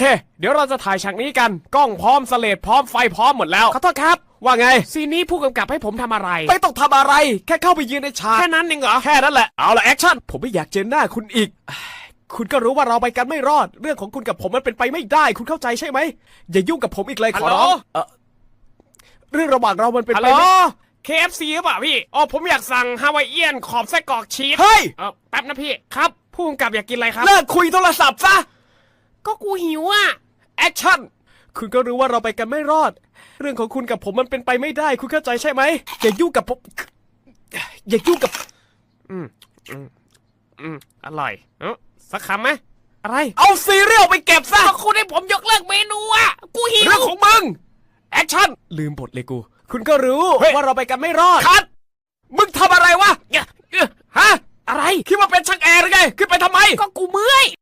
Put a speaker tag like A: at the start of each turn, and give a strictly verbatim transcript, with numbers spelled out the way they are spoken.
A: เคเดี๋ยวเราจะถ่ายฉากนี้กันกล้องพร้อมสเลดพร้อมไฟพร้อมหมดแล้วขอโทษครับว่าไงซีนนี้ผู้กำกับให้ผมทำอะไรไม่ต้องทำอะไรแค่เข้าไปยืนในฉากแค่นั้นเองเหรอแค่นั้นแหละเอาละแอคชั่นผมไม่อยากเจอหน้าคุณอีกคุณก็รู้ว่าเราไปกันไม่รอดเรื่องของคุณกับผมมันเป็นไปไม่ได้คุณเข้าใจใช่ไหมอย่ายุ่งกับผมอีกเลยขอร้องเออเรื่องระหว่างเรามันเป็นไปไม่ เค เอฟ ซี หรือเปล่าพี่อ๋อผมอยากสั่งฮาวายเอียนขอบไส้กรอกชีสเฮ้ยเออแป๊บนะพี่ครับผู้กำกับอยากกินอะไรครับเลิกคุยโทรศัพท์ซะก็กูหิวอ่ะแอคชั่นคุณก็รู้ว่าเราไปกันไม่รอดเรื่องของคุณกับผมมันเป็นไปไม่ได้คุณเข้าใจใช่ไหมอย่ายุ่งกับผมอย่ายุ่งกับอืมอืมอืมอร่อยเออสักคำไหมอะไรเอาซีเรียลไปเก็บซะคุณให้ผมยกเลิกเมนูอ่ะกูหิวเรื่องของมึงแอคชั่นลืมบทเลยกูคุณก็รู้ว่าเราไปกันไม่รอดคัดมึงทำอะไรวะฮะอะไรคิดว่าเป็นช่างแอร์หรือไงขึ้นไปทำไมก็กูเมื่อย